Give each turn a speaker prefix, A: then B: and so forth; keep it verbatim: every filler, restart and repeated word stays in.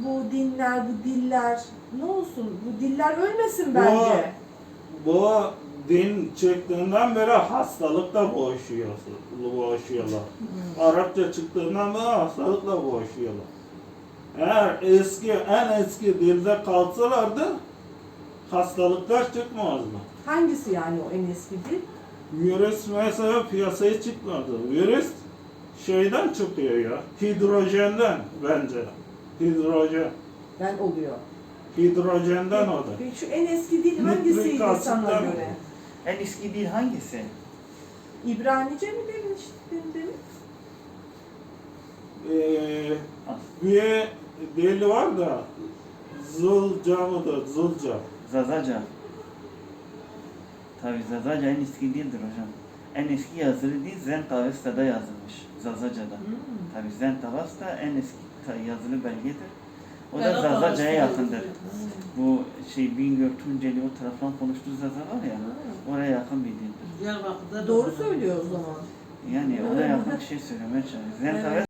A: bu dinler, bu diller ne olsun? Bu diller ölmesin bence.
B: Bu, bu din çıktığından beri hastalıkla boğuşuyor, boğuşuyorlar.
A: Hmm.
B: Arapça çıktığından beri hastalıkla boğuşuyorlar. Eğer eski, en eski dilde kalsalardı hastalıklar çıkmazdı.
A: Hangisi yani o en eski dil?
B: Virüs mesela piyasaya çıkmadı. Virüs şeyden çıkıyor ya, hidrojenden bence. Hidrojen.
A: Ben oluyor.
B: Hidrojenden o da.
A: Peki şu en eski dil hangisiydi
B: Nitrik
A: sana
B: asitten
A: göre?
C: En eski dil hangisi?
A: İbranice mi demiştin demin?
B: Ee, bir dil var da Zulca mıdır? Zulca.
C: Zazaca. Tabi Zazaca en eski dildir hocam. En eski yazılı dil Zend-Avesta'da yazılmış. Zazaca'da.
A: Hmm.
C: Tabi Zend-Avesta en eski ta- yazılı belgedir. O da
D: Berat
C: Zazaca'ya
D: Avesta
C: yakındır.
D: yazıyor.
C: Bu şey Bingöl, Tunceli o taraftan konuştuğu Zaza var ya,
A: Ha.
C: oraya yakın bir dildir.
D: Diyarbakır'da da
A: Doğru
D: var.
A: söylüyor o zaman.
C: Yani ona yakın bir şey söylemeye çalışıyorum. Zend-Avesta